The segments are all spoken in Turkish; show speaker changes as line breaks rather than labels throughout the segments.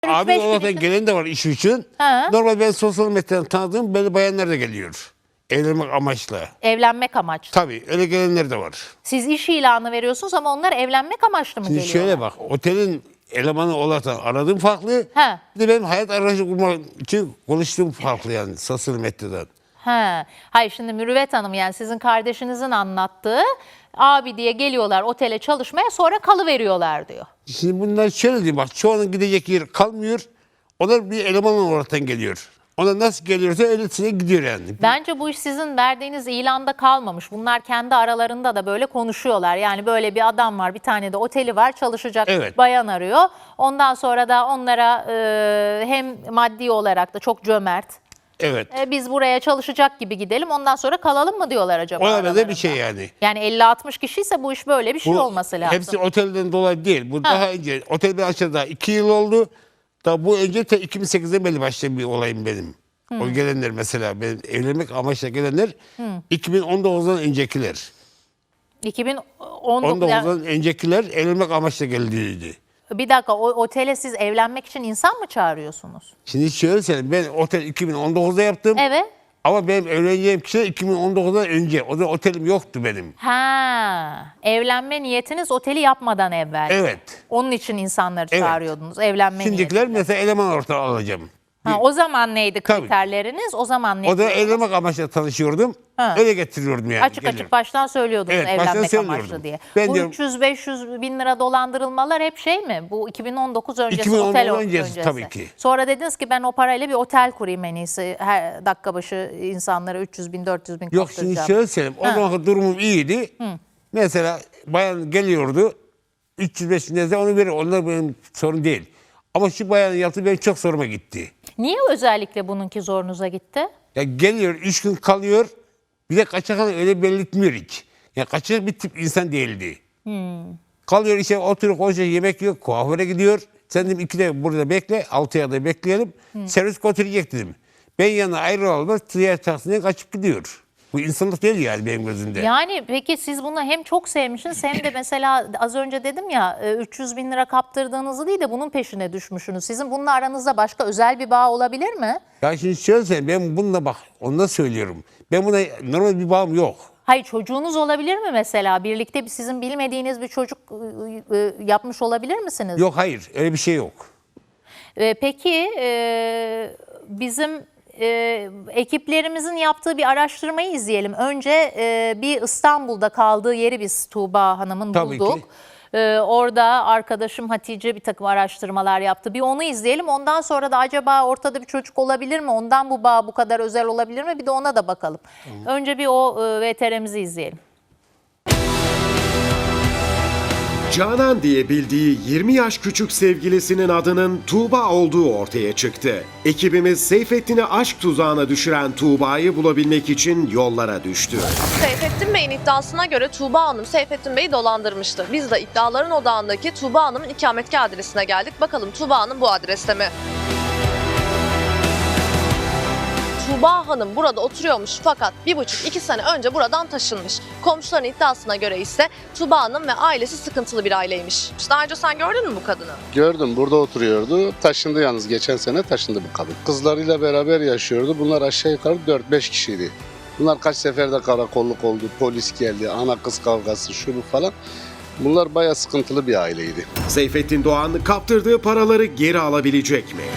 Abi olarak gelen de var iş için.
Ha.
Normal ben sosyal medyadan tanıdığım belli bayanlar da geliyor. Evlenmek amaçlı.
Evlenmek amaçlı.
Tabii öyle gelenler de var.
Siz iş ilanı veriyorsunuz ama onlar evlenmek amaçlı mı
Şimdi
geliyorlar?
şöyle bak, otelin elemanı olarak aradığım farklı.
Ha.
Bir de benim hayat arayışı kurmak için konuştuğum farklı yani sosyal medyadan.
Ha. Hayır, şimdi Mürüvvet Hanım, yani sizin kardeşinizin anlattığı, abi diye geliyorlar otele çalışmaya, sonra kalıveriyorlar diyor.
Şimdi bunlar şöyle diyeyim bak, çoğunun gidecek yer kalmıyor. Onlar bir eleman olaraktan geliyor. Ona nasıl geliyorsa öylesine gidiyor yani.
Bence bu iş sizin verdiğiniz ilanda kalmamış. Bunlar kendi aralarında da böyle konuşuyorlar. Yani böyle bir adam var, bir tane de oteli var, çalışacak
Evet.
bayan arıyor. Ondan sonra da onlara hem maddi olarak da çok cömert.
Evet.
Biz buraya çalışacak gibi gidelim, ondan sonra kalalım mı diyorlar acaba?
O da
aralarında?
bir şey yani.
Yani 50-60 kişiyse bu iş böyle bir şey
Bu
olması lazım.
hepsi otelden dolayı değil. Bu daha önce, otel bir aşağıda 2 yıl oldu. Da bu önce 2008'de belli başlayan bir olayım benim. O gelenler mesela, benim evlenmek amaçla gelenler 2019'dan öncekiler.
2019
19'dan öncekiler evlenmek amaçla geldiydi.
Bir dakika, o otele siz evlenmek için insan mı çağırıyorsunuz?
Şimdi şöyle söyleyeyim, ben otel 2019'da yaptım.
Evet.
Ama benim evleneceğim kişi 2019'dan önce. O da otelim yoktu benim.
Ha, evlenme niyetiniz oteli yapmadan evvel.
Evet.
Onun için insanları
Evet.
çağırıyordunuz evlenme
Şimdikiler
niyetiyle.
mesela eleman ortağı alacağım.
Ha, o zaman neydi
Tabii.
kriterleriniz? O zaman
O da
neydi?
evlenmek amaçlı tanışıyordum.
Ha.
Öyle getiriyordum yani.
Açık açık baştan söylüyordunuz
Evet, baştan
evlenmek
söylüyordum.
amaçlı diye.
Ben
Bu
diyorum-
300-500 bin lira dolandırılmalar hep şey mi? Bu 2019 öncesi,
2019
otel
öncesi tabii ki.
Sonra dediniz ki ben o parayla bir otel kurayım en iyisi. Her dakika başı insanlara 300 bin 400 bin
Yok, şimdi
kaptıracağım.
şöyle söyleyeyim. O
Ha.
zamanki durumum iyiydi. Mesela bayan geliyordu. 305 bin lira onu verir. Onlar benim sorun değil. Ama şu bayanın yaptığı benim çok zoruma gitti.
Niye özellikle bununki zorunuza gitti?
Ya geliyor, 3 gün kalıyor. Bir de kaçak öyle belirtmiyor hiç. Ya kaçak bir tip insan değildi. Kalıyor işte, oturuyor, konuşuyor, yemek yok, kuaföre gidiyor. Sen dedim 2'de burada bekle, 6'ya da bekleyelim. Servis götürecek dedim. Ben yanına ayrılalım, diğer taksiye kaçıp gidiyor. Bu insanlık değil yani benim gözümde.
Yani peki siz bunu hem çok sevmişsiniz hem de mesela az önce dedim ya 300 bin lira kaptırdığınızı değil de bunun peşine düşmüşsünüz. Sizin bununla aranızda başka özel bir bağ olabilir mi?
Ya şimdi şöyle söyleyeyim, ben bununla bak, onu da söylüyorum. Ben buna normal bir bağım yok.
Hayır, çocuğunuz olabilir mi mesela? Birlikte sizin bilmediğiniz bir çocuk yapmış olabilir misiniz?
Yok, hayır, öyle bir şey yok.
Peki bizim ekiplerimizin yaptığı bir araştırmayı izleyelim. Önce bir İstanbul'da kaldığı yeri biz Tuğba Hanım'ın
Tabii
bulduk.
ki.
Orada arkadaşım Hatice bir takım araştırmalar yaptı. Bir onu izleyelim. Ondan sonra da acaba ortada bir çocuk olabilir mi? Ondan bu bağ bu kadar özel olabilir mi? Bir de ona da bakalım. Önce bir o VTR'mizi izleyelim.
Canan diye bildiği 20 yaş küçük sevgilisinin adının Tuğba olduğu ortaya çıktı. Ekibimiz Seyfettin'i aşk tuzağına düşüren Tuğba'yı bulabilmek için yollara düştü.
Seyfettin Bey'in iddiasına göre Tuğba Hanım Seyfettin Bey'i dolandırmıştı. Biz de iddiaların odağındaki Tuğba Hanım'ın ikametgah adresine geldik. Bakalım Tuğba Hanım bu adreste mi? Tuğba Hanım burada oturuyormuş fakat 1,5-2 sene önce buradan taşınmış. Komşuların iddiasına göre ise Tuğba Hanım ve ailesi sıkıntılı bir aileymiş. Daha önce sen gördün mü bu kadını?
Gördüm, burada oturuyordu. Taşındı yalnız, geçen sene taşındı bu kadın. Kızlarıyla beraber yaşıyordu. Bunlar aşağı yukarı 4-5 kişiydi. Bunlar kaç seferde karakolluk oldu, polis geldi, ana kız kavgası, şu bu falan. Bunlar bayağı sıkıntılı bir aileydi.
Seyfettin Doğan kaptırdığı paraları geri alabilecek mi?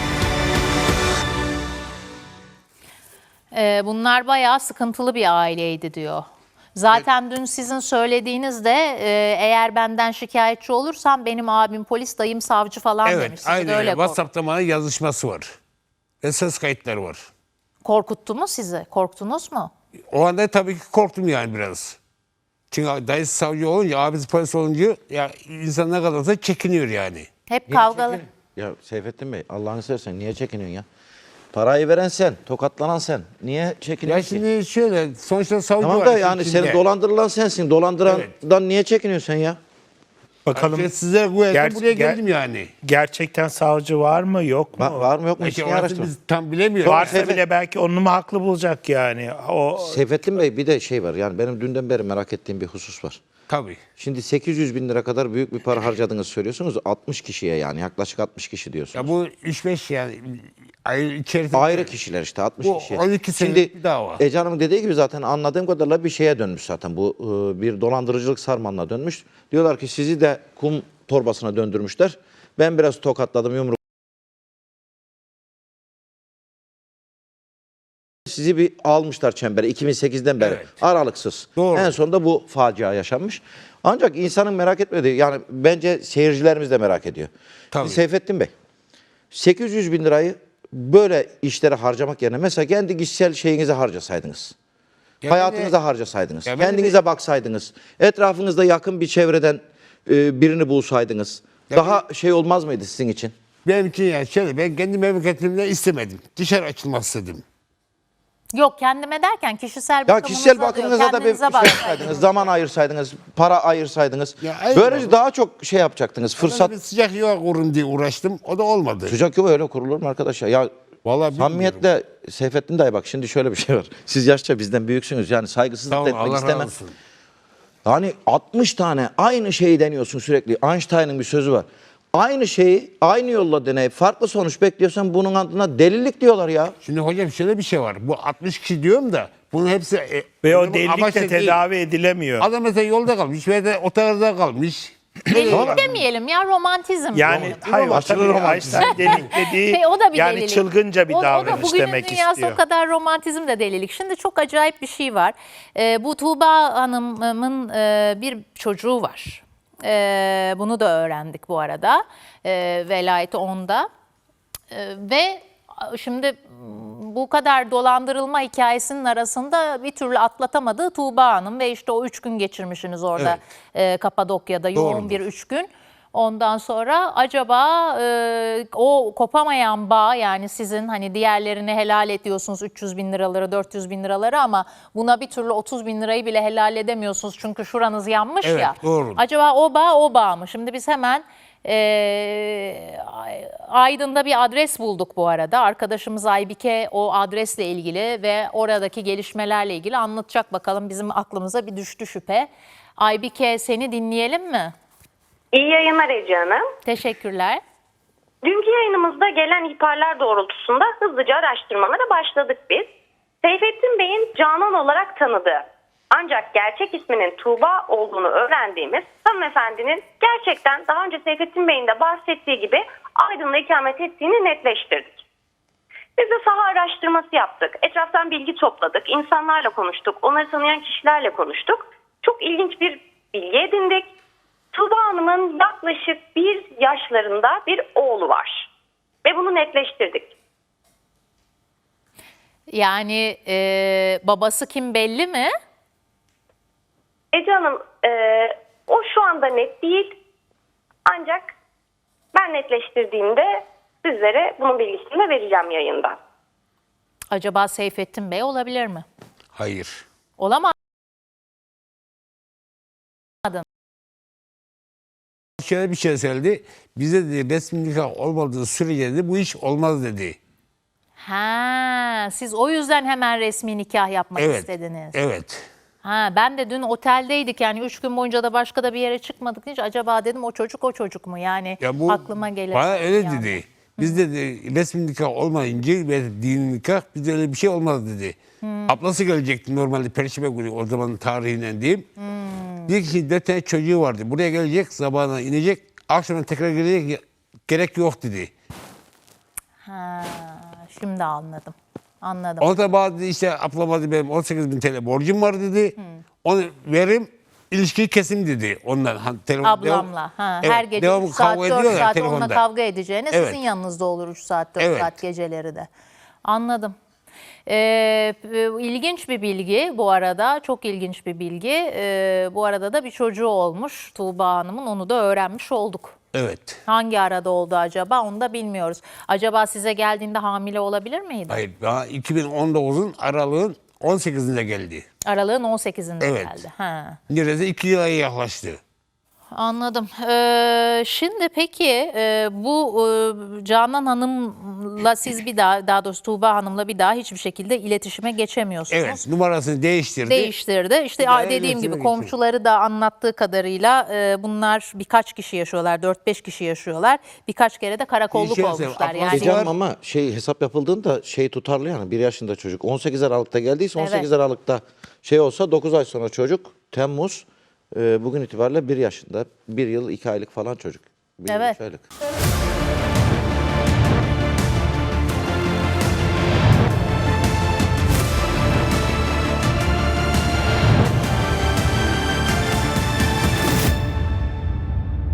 Bunlar bayağı sıkıntılı bir aileydi diyor. Zaten dün sizin söylediğinizde eğer benden şikayetçi olursam benim abim polis, dayım savcı falan
Evet,
demiş. Sizi de
aynen öyle.
öyle
WhatsApp'ta bana yazışması var. Ve ses kayıtları var.
korkuttu mu sizi? Korktunuz mu?
O anda tabii ki korktum yani biraz. Çünkü dayısı savcı olunca, abisi polis olunca ya insan ne kadarsa çekiniyor yani.
Hep kavgalı.
Ya Seyfettin Bey, Allah'ını seversen niye çekiniyorsun ya? Parayı veren sen, tokatlanan sen. Niye çekiniyorsun
Ya
ki?
şimdi şöyle, sonuçta savcı
Tamam
var
da
işin
yani
içinde.
seni dolandırılan sensin. Dolandırandan niye çekiniyorsun sen ya?
Bakalım
Ben size güvendim,
Ger-
buraya
ger-
geldim yani.
gerçekten savcı var mı yok mu?
Var mı yok mu?
İşte
İşini
orası
araştır.
biz tam bilemiyoruz.
Varsa
Seyfet-
bile belki onu mu haklı bulacak yani? O
Seyfettin Bey, bir de şey var. Yani benim dünden beri merak ettiğim bir husus var.
Tabii.
Şimdi 800 bin lira kadar büyük bir para harcadığınızı söylüyorsunuz. 60 kişiye yani yaklaşık 60 kişi diyorsunuz.
Ya bu 3-5 yani ay içerisinde.
Ayrı kişiler işte 60
Bu
kişi.
12 senelik bir dava.
Ece Hanım'ın dediği gibi zaten anladığım kadarıyla bir şeye dönmüş zaten. Bu bir dolandırıcılık sarmalına dönmüş. Diyorlar ki sizi de kum torbasına döndürmüşler. Ben biraz tokatladım yumruk. Sizi bir almışlar çembere 2008'den beri
Evet.
aralıksız.
Doğru.
En sonunda bu facia yaşanmış. Ancak insanın merak etmediği yani bence seyircilerimiz de merak ediyor.
Tabii.
Seyfettin Bey 800 bin lirayı böyle işlere harcamak yerine mesela kendi kişisel şeyinize harcasaydınız.
Ya
Hayatınıza harcasaydınız.
Ya ben de-
Kendinize baksaydınız. Etrafınızda yakın bir çevreden birini bulsaydınız. Daha şey olmaz mıydı sizin için?
Benim için yani şöyle, ben kendi memleketimde istemedim. Dışarı açılmak istedim.
Yok, kendime derken kişisel
Ya
bakımınıza
kişisel
diyor,
bakımınıza da bir
kendinize
şey
baksaydınız.
yapsaydınız, zaman ayırsaydınız, para ayırsaydınız.
Ya eyvallah.
Böylece daha çok şey yapacaktınız.
Fırsat.
Fırsat.
Bir sıcak yuva kurun diye uğraştım. O da olmadı.
Sıcak yuva öyle kurulur mu arkadaşlar? Ya
Vallahi bilmiyorum.
samimiyetle Seyfettin dayı bak şimdi şöyle bir şey var. Siz yaşça bizden büyüksünüz. Yani saygısızlık
Sağ
da
olun,
etmek
Allah razı
istemem.
olsun.
Yani 60 tane aynı şeyi deniyorsun sürekli. Einstein'ın bir sözü var. Aynı şeyi aynı yolla deneyip farklı sonuç bekliyorsan bunun adına delilik diyorlar ya.
Şimdi hocam şöyle bir şey var. Bu 60 kişi diyorum da bunun hepsi...
Ve o
bunun
delilik
amaçlı
de
değil.
tedavi edilemiyor.
Adam mesela yolda kalmış veya da otelde kalmış.
Delilik demeyelim ya, romantizm.
Yani
diyelim.
hayır o
Aşırı
tabii
romantizm.
Einstein delilik dediği
O da bir
yani
delilik.
çılgınca bir
O da
davranış
bugünün
demek
dünyası
istiyor.
o kadar romantizm de delilik. Şimdi çok acayip bir şey var. Bu Tuğba Hanım'ın bir çocuğu var. Bunu da öğrendik bu arada. Velayeti onda. Ve şimdi bu kadar dolandırılma hikayesinin arasında bir türlü atlatamadığı Tuğba Hanım ve işte o 3 gün geçirmişsiniz orada Kapadokya'da, yoğun
Doğrudur.
bir 3 gün. Ondan sonra acaba o kopamayan bağ, yani sizin hani diğerlerini helal ediyorsunuz 300 bin liraları 400 bin liraları ama buna bir türlü 30 bin lirayı bile helal edemiyorsunuz çünkü şuranız yanmış
Evet,
ya.
doğru.
Acaba o bağ mı? Şimdi biz hemen Aydın'da bir adres bulduk bu arada. Arkadaşımız Aybike o adresle ilgili ve oradaki gelişmelerle ilgili anlatacak, bakalım bizim aklımıza bir düştü şüphe. Aybike, seni dinleyelim mi?
İyi yayınlar Ece Hanım.
Teşekkürler.
Dünkü yayınımızda gelen ihbarlar doğrultusunda hızlıca araştırmalara başladık biz. Seyfettin Bey'in Canan olarak tanıdığı ancak gerçek isminin Tuğba olduğunu öğrendiğimiz hanımefendinin gerçekten daha önce Seyfettin Bey'in de bahsettiği gibi Aydın'da ikamet ettiğini netleştirdik. Biz de saha araştırması yaptık. Etraftan bilgi topladık. İnsanlarla konuştuk. Onları tanıyan kişilerle konuştuk. Çok ilginç bir bilgi edindik. Tuğba Hanım'ın yaklaşık 1 yaşlarında bir oğlu var. Ve bunu netleştirdik.
Yani babası kim belli mi?
Ece Hanım o şu anda net değil. Ancak ben netleştirdiğimde sizlere bunun bilgisini de vereceğim yayında.
Acaba Seyfettin Bey olabilir mi?
Hayır.
Olamaz.
Şöyle bir şey söyledi. Bize dedi resmi nikah olmadığı sürece dedi bu iş olmaz dedi.
Ha, siz o yüzden hemen resmi nikah yapmak
Evet.
istediniz.
Evet.
Ha, ben de dün oteldeydik, yani 3 gün boyunca da başka da bir yere çıkmadık hiç. Acaba dedim o çocuk mu yani,
Ya bu
aklıma gelir.
bana öyle
yani.
dedi. Biz dedi resmi nikah olmayınca ve dini nikah bizde öyle bir şey olmaz dedi. Ablası gelecekti normalde Perşembe günü, o zaman tarihinden diyeyim. Bir kişi 4 tane çocuğu vardı. Buraya gelecek, sabahına inecek, akşama tekrar gelecek, gerek yok dedi.
Ha, şimdi anladım. Anladım.
O da bana dedi işte ablama dedi benim 18.000 TL borcum var dedi. Onu verim, ilişkiyi kesim dedi ondan.
Ablamla. Ha,
Evet,
her gece
devamlı
3 saat
kavga
4
ediyorlar
saat
telefonda.
onunla kavga edeceğine
Evet.
sizin yanınızda olur 3 saat 4
Evet.
saat geceleri de. Anladım. İlginç bir bilgi bu arada, çok ilginç bir bilgi. Bu arada da bir çocuğu olmuş Tuğba Hanım'ın, onu da öğrenmiş olduk.
Evet.
Hangi arada oldu acaba, onu da bilmiyoruz. Acaba size geldiğinde hamile olabilir miydi?
Hayır, daha 2019'un aralığın 18'inde geldi.
Aralığın 18'inde
Evet.
geldi. Ha.
Neredeyse 2 yıla yaklaştı.
Anladım. Şimdi peki bu Canan Hanım'la siz bir daha doğrusu Tuğba Hanım'la bir daha hiçbir şekilde iletişime geçemiyorsunuz.
Evet, numarasını değiştirdi.
Değiştirdi. İşte
Bir daha
dediğim
iletişime
gibi
geçiyor.
komşuları da anlattığı kadarıyla bunlar birkaç kişi yaşıyorlar. 4-5 kişi yaşıyorlar. Birkaç kere de karakolluk
şey
olmuşlar.
söyleyeyim,
Yani
Var.
Ama hesap yapıldığında tutarlı yani 1 yaşında çocuk 18 Aralık'ta geldiyse 18
Evet.
Aralık'ta olsa 9 ay sonra çocuk Temmuz bugün itibariyle 1 yaşında 1 yıl 2 aylık falan çocuk. 1 yıl
Evet.
3 aylık.